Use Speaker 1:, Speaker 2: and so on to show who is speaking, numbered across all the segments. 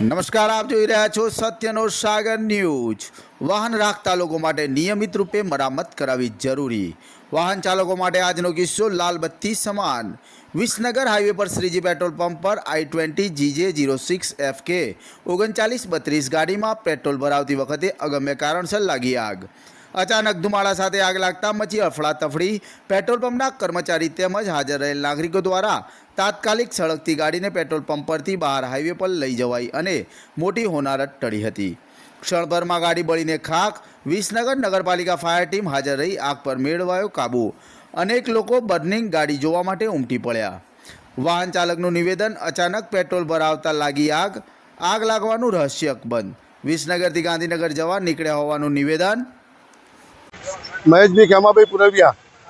Speaker 1: નમસ્કાર, આપ જોઈ રહ્યા છો સત્યનો સાગર ન્યૂઝ। વાહન રાખતા લોકો માટે નિયમિત રૂપે મરામત કરાવવી જરૂરી। વાહન ચાલકો માટે આજનો કિસ્સો લાલ બત્તી સમાન। વિસનગર હાઈવે પર શ્રીજી પેટ્રોલ પંપ પર I-20 GJ06FK 3932 ગાડીમાં પેટ્રોલ ભરાવતી વખતે અગમ્ય કારણસર લાગી આગ। અચાનક ધુમાડા સાથે આગ લાગતા મચી અફડાતફડી। પેટ્રોલ પંપના કર્મચારી તેમજ હાજર રહેલ નાગરિકો દ્વારા તાત્કાલિક સળગતી ગાડીને પેટ્રોલ પંપ પરથી બહાર હાઈવે પર લઈ જવાઈ અને મોટી હોનારત ટળી હતી। ક્ષણભરમાં ગાડી બળીને ખાખ। વિસનગર નગરપાલિકા ફાયર ટીમ હાજર રહી આગ પર મેળવાયો કાબૂ। અનેક લોકો બર્નિંગ ગાડી જોવા માટે ઉમટી પડ્યા। વાહન ચાલકનું નિવેદન, અચાનક પેટ્રોલ ભરાવતા લાગી આગ। આગ લાગવાનું રહસ્ય અકબંધ। વિસનગરથી ગાંધીનગર જવા નીકળ્યા હોવાનું નિવેદન।
Speaker 2: મહેશભાઈ ખેમાભાઈ પુરવિયા।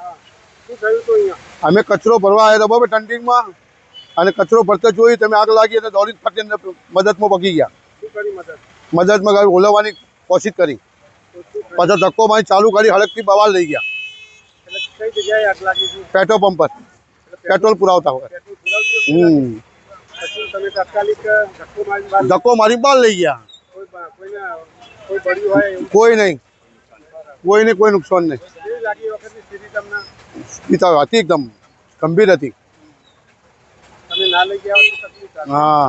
Speaker 2: અમે કચરો ભરવા આવ્યા હતા બરાબર ટંડિંગમાં, અને કચરો ભરતા જોઈ તમે આગ લાગી અને દોડી ફટીને મદદમાં પગી ગયા। મદદમાં ગાડી ઓલવવાની કોશિશ કરી, પાછા ધક્કો મારી ચાલુ ગાડી હડકથી બહાર લઈ ગયા। પેટ્રોલ પંપ પર પેટ્રોલ પુરાવતા હોય ધક્કો મારી બહાર લઈ ગયા। કોઈ નહીં, કોઈને કોઈ નુકસાન નહીં। હતી એકદમ ગંભીર હતી। હા।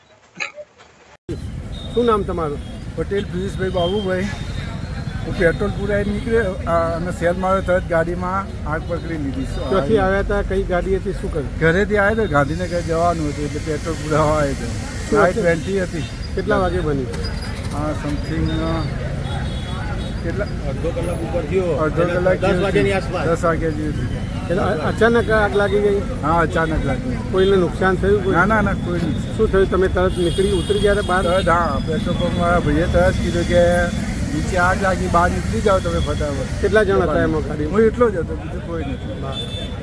Speaker 3: શું નામ તમારું?
Speaker 4: પટેલ પિયુષભાઈ બાબુભાઈ। હું પેટ્રોલ પુરાઈ નીકળ્યો અને સેલ માર્યો તરત ગાડીમાં આગ પકડી લીધી।
Speaker 3: ક્યાંથી આવ્યા હતા? કઈ ગાડી હતી? શું કર્યું?
Speaker 4: ઘરેથી આવ્યો તો ગાંધીનગર જવાનું હતું એટલે પેટ્રોલ પુરાવા આવ્યો હતો। I-20 હતી।
Speaker 3: કેટલા વાગે બની?
Speaker 4: સમથિંગ કેટલા
Speaker 3: અડધો કલાક ઉપર થયો।
Speaker 4: અડધો કલાક
Speaker 3: 10 વાગ્યાની આસપાસ।
Speaker 4: 10 વાગ્યા જેવી હતી।
Speaker 3: એટલે અચાનક આગ લાગી ગઈ?
Speaker 4: હા, અચાનક લાગી।
Speaker 3: કોઈને નુકસાન થયું?
Speaker 4: ના કોઈ નહીં।
Speaker 3: શું થયું? તમે તરત નીકળી ઉતરી ગયા બહાર?
Speaker 4: તરત હા, પેટ્રોલ પંપવાળા ભાઈએ તરત કીધું કે નીચે આગ લાગી, બહાર નીકળી જાઓ તમે ફટાફટ।
Speaker 3: કેટલા જણ હતા એમાં ગાડી?
Speaker 4: હું એટલો જ હતો, બીજું કોઈ નથી।